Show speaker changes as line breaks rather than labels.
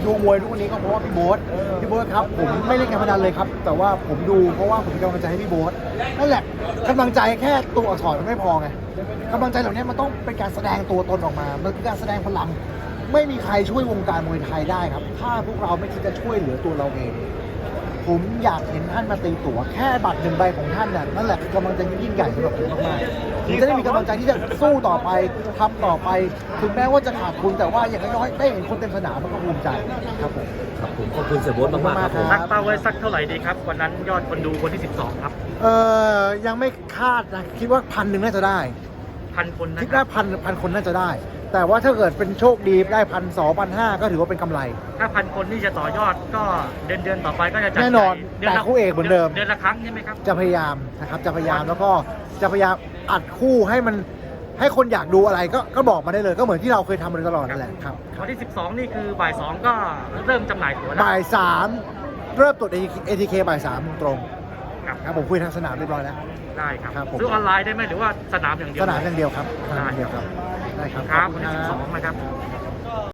ดูมวยทุกวันนี้ก็เพราะว่าพี่โบ๊ทครับผมไม่เล่นการพนันเลยครับแต่ว่าผมดูเพราะว่าผมเป็นกำลังใจให้พี่โบ๊ทนั่นแหละกำลังใจแค่ตัวอักษรมันไม่พอไงกำลังใจเหล่านี้มันต้องเป็นการแสดงตัวตนออกมามันคือการแสดงพลังไม่มีใครช่วยวงการมวยไทยได้ครับถ้าพวกเราไม่คิดจะช่วยเหลือตัวเราเองผมอยากเห็นท่านมาตีตั๋วแค่บัตร1 ใบของท่านน่ะนั่นแหละคือกำลังใจยิ่งใหญ่สำหรับผมมากๆผมจะได้มีกำลังใจที่จะสู้ต่อไปทำต่อไปถึงแม้ว่าจะขาดทุนแต่ว่าอย่างน้อยๆได้เห็นคนเต็มสนามมันก็ภูมิใจครับผม
ครับผมขอบคุณเสียโบ๊ทมากๆครับผม
ตั้งเป้าไว้สักเท่าไหร่ดีครับวันนั้นยอดคนดูคนที่ 12 ครับ
ยังไม่คาดนะคิดว่า1,000น่าจะได้
1,000 คนนะ
คิด
ครั
ว่า
บ
พันคนน่าจะได้ แต่ว่าถ้าเกิดเป็นโชคดีได้1,200 1,500ก็ถือว่าเป็นกำไร
ถ้า 1,000 คนนี่จะต่อยอดก็เดือนต่อไปก็จะจัด
แน่นอน
ใหญ่
แต่คู่เอกเหมือนเดิม
เดือนละครั้งใช่ไหมครับ
จะพยายามนะครับจะพยายามแล้วก็จะพยายามอัดคู่ให้มันให้คนอยากดูอะไรก็บอกมาได้เลยก็เหมือนที่เราเคยทำมาโดยตลอดนั่นแหละครับ
วันที่ 12 นี่คือบ่าย 2 ก็เริ่มจำหน่ายตั๋วได้
บ่าย3เริ่มตรวจ ATK บ่าย3ตรง
ครับ
ครับผมคุยทางสนามเรียบร้อยแล้ว
ได้ครับ
ครับผม
ซื้อออนไลน์ได้ไหมหรือว่าสนามอย่างเดียว
สนามอย่างเดียวครับสนามอย่างเดียวครับได้ครับ
ครับ
ขอ
วั
ณ
นที่
ครับ
12 นะครับ